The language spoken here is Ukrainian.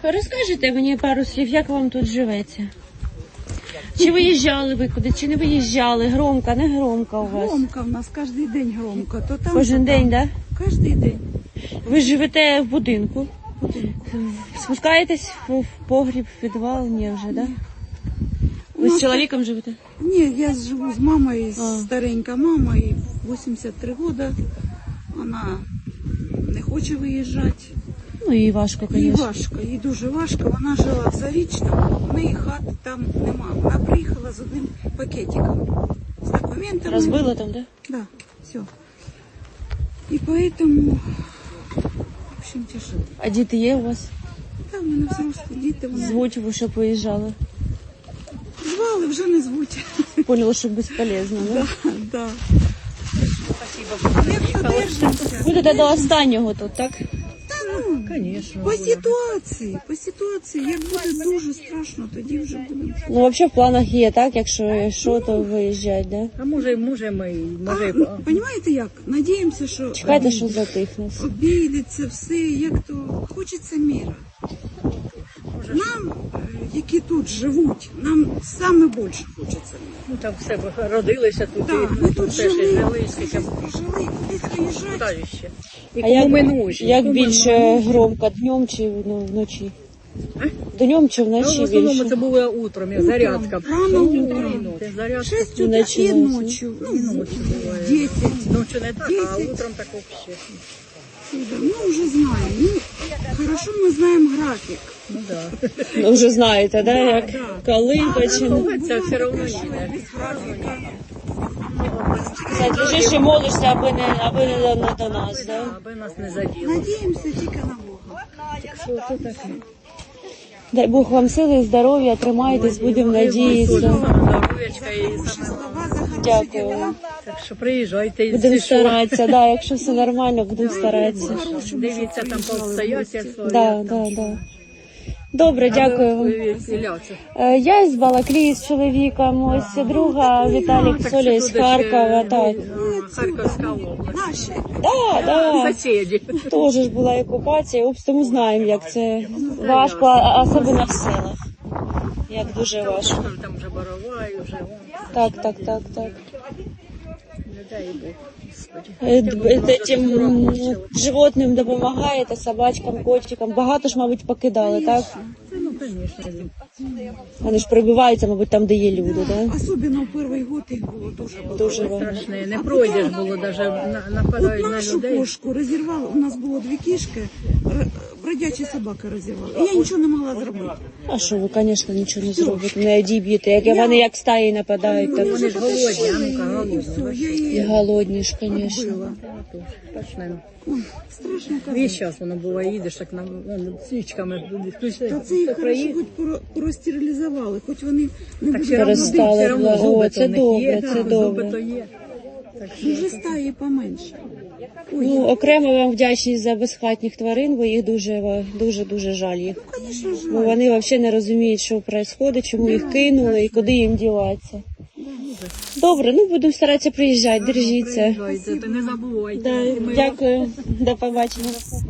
Розкажете мені пару слів, як вам тут живеться? Чи виїжджали ви куди, чи не виїжджали? Громко, не громко у вас? Громко в нас, кожен день громко. То там, Кожен то там. день, так? Да? Кожен день. Ви живете в будинку? Спускаєтесь в погріб, в підвал? Ні вже, так? Да? Ви з чоловіком живете? Ні, я живу з мамою, старенька мама, їй 83 роки. Вона не хоче виїжджати. Ну і важко, Їй звісно. важко, їй дуже важко. Вона жила в Зарічному, в неї хати там нема. Вона приїхала з одним пакетиком, з документами. Розбила там, так? Да? Да, все. І поэтому, в общем, тяжело. А діти є у вас? Там в мене взрослі діти. Вони Звуть ви, щоб виїжджали? звали, вже не звуть. Поняла, що безполезно, да? Да. Як подержимося? Будете до останнього тут, так? Конечно. По ситуації, як буде дуже страшно, тоді вже будемо. Ну, взагалі в планах є, так? Якщо що, то виїжджать, да? А може ми, може... Понимаєте як? Надіємося, що Чекайте, що затихне. обійдеться все, як то хочеться міра. Нам, які тут живуть, нам саме більше хочеться міра. Ну там все родилися тут, Так, і ми тут все ж жили, жили, скільки прожили, кудись виїжджати. далі ще. І А кому минуть. як більше громко, днем чи вночі? Днем чи Ну, вночі в основному більше? це було утром, як зарядка. Рано утром. Це зарядка. 6 утра Вночі, і ночі. ночі. І Ну, ночі буває. 10. Ночі не так, а 10. утром так взагалі. Ну, вже знаємо. Ну, хорошо ми знаємо графік. Ну так. Ну, вже знаєте, да? Як да. коли починає. Ну, це все одно Без їде. графіка. Лежиш і молишся, аби не до нас, да? Аби нас не заділо. Надіємося тільки на Бога. Що це таке? Дай Бог вам сили, здоров'я, тримайтесь, будемо надіятися. Здоров'ячка і Хороші саме. слова за хороші Дякую. діла. Так що приїжджайте і Будемо всі, що старатися, да, якщо все нормально, будемо старатися. дивіться там по обстоятельствам. Да. Добре, дякую вам. Я з Балаклії з чоловіком, ось друга Віталік Соля з Харкова, так. Харківська область. Наші. Да. Сусіді. Теж ж була окупація, тому знаємо, як це важко, особливо в селах. Як дуже важко. Там вже Борова і вже Так. не дай Бог, Господи. Тим животним допомагаєте, собачкам, котикам. Багато ж, мабуть, покидали, так? Ну, звісно. Вони ж прибиваються, мабуть, там, де є люди, так? Особливо в перший год їх було дуже багато. Дуже багато. Страшне. Не пройдеш було, навіть нападають От на нашу людей. кошку розірвали, у нас було 2 кішки, бродячі собаки розірвали. І я нічого не могла зробити. А що ви, звісно, нічого не зробите, не одіб'єте. Як вони як стаї нападають, так Вони ж голодні, а ну-ка, І голодні. все, я і її голодні ж, звісно. била. Точно. Ой, страшно Весь казати. час воно буває, їдеш так на свічками включаєш. Та це їх хорошо хоч простерилізували, хоч вони не будуть Перестали. все одно О, зуби це то в них є, добре, це зуби добре. то є. Так що Вже стаї поменше. Ну, окремо вам вдячність за безхатніх тварин, бо їх дуже жаль їх. Звісно, жаль. Бо вони взагалі не розуміють, що відбувається, чому їх кинули і куди їм діватися. Добре, ну будемо старатися приїжджати, держіться. приїжджайте, то не забувайте. Да, дякую, до побачення.